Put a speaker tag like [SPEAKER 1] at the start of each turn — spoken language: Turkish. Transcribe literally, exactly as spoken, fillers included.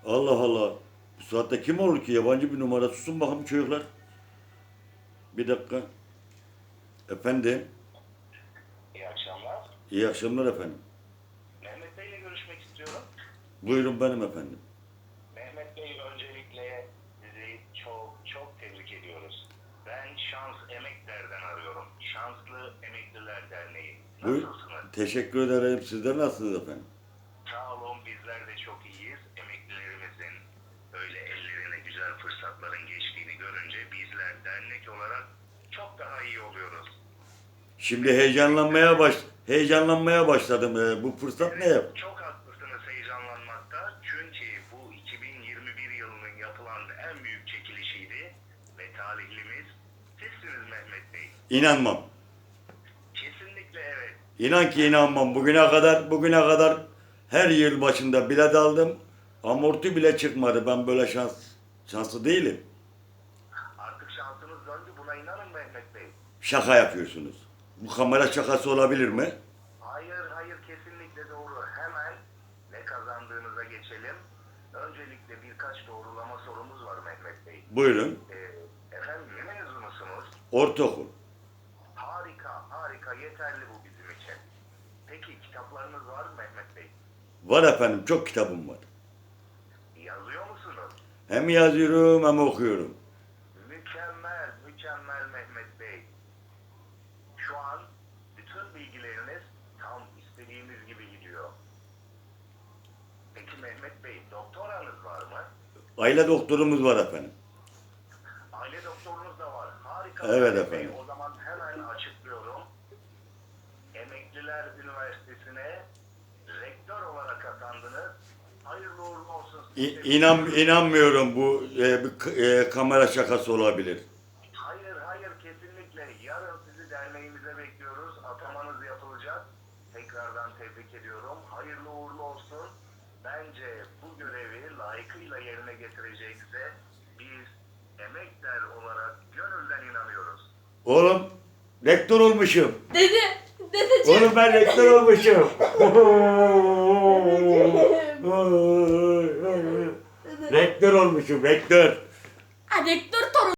[SPEAKER 1] Allah Allah. Bu saatte kim olur ki? Yabancı bir numara. Susun bakalım çocuklar. Bir dakika. Efendim.
[SPEAKER 2] İyi akşamlar.
[SPEAKER 1] İyi akşamlar efendim.
[SPEAKER 2] Mehmet Bey ile görüşmek istiyorum.
[SPEAKER 1] Buyurun benim efendim.
[SPEAKER 2] Mehmet Bey, öncelikle sizi çok çok tebrik ediyoruz. Ben Şans Emekler'den arıyorum. Şanslı Emekliler Derneği.
[SPEAKER 1] Buyur.
[SPEAKER 2] Nasılsınız?
[SPEAKER 1] Teşekkür ederim. Sizler nasılsınız efendim?
[SPEAKER 2] Sağ olun, bizler de çok iyiyiz. Emeklilerimizin böyle ellerine güzel fırsatların geçtiğini görünce bizler dernek olarak çok daha iyi oluyoruz.
[SPEAKER 1] Şimdi heyecanlanmaya baş heyecanlanmaya başladım. Ee, bu fırsat ne yap?
[SPEAKER 2] Çok haklısınız heyecanlanmakta. Çünkü bu iki bin yirmi bir yılının yapılan en büyük çekilişiydi. Ve talihlimiz sizsiniz Mehmet Bey.
[SPEAKER 1] İnanmam.
[SPEAKER 2] Kesinlikle evet.
[SPEAKER 1] İnan ki inanmam. Bugüne kadar bugüne kadar her yıl başında bilet aldım. Amorti bile çıkmadı. Ben böyle şans şanslı değilim.
[SPEAKER 2] Artık şansınız döndü, buna inanın Mehmet Bey.
[SPEAKER 1] Şaka yapıyorsunuz. Bu kamera şakası olabilir mi?
[SPEAKER 2] Hayır hayır, kesinlikle doğru. Hemen ne kazandığınıza geçelim. Öncelikle birkaç doğrulama sorumuz var Mehmet Bey.
[SPEAKER 1] Buyurun.
[SPEAKER 2] Ee, efendim, ne mezunusunuz?
[SPEAKER 1] Ortaokul.
[SPEAKER 2] Harika harika, yeterli bu bizim için. Peki kitaplarınız var mı Mehmet Bey?
[SPEAKER 1] Var efendim. Çok kitabım var.
[SPEAKER 2] Yazıyor musunuz?
[SPEAKER 1] Hem yazıyorum hem okuyorum.
[SPEAKER 2] Mükemmel, mükemmel Mehmet Bey. Şu an bütün bilgileriniz tam istediğimiz gibi gidiyor. Peki Mehmet Bey, doktoranız var mı?
[SPEAKER 1] Aile doktorumuz var efendim.
[SPEAKER 2] Aile doktorunuz da var. Harika.
[SPEAKER 1] Evet
[SPEAKER 2] Mehmet Bey.
[SPEAKER 1] efendim.
[SPEAKER 2] O zaman hemen açıklıyorum. Emekliler Üniversitesi'ne rektör olarak atandınız. Hayırlı uğurlu olsun.
[SPEAKER 1] İ- inan inanmıyorum bu e, bir k- e, kamera şakası olabilir.
[SPEAKER 2] Hayır hayır, kesinlikle. Yarın sizi derneğimize bekliyoruz. Atamanız yapılacak. Tekrardan tebrik ediyorum. Hayırlı uğurlu olsun. Bence bu görevi layıkıyla yerine getirecekse biz emekler olarak gönülden inanıyoruz.
[SPEAKER 1] Oğlum rektör olmuşum.
[SPEAKER 3] Dede, dedeciğim.
[SPEAKER 1] Oğlum ben rektör olmuşum. rektör olmuşum rektör.
[SPEAKER 3] Ha, rektör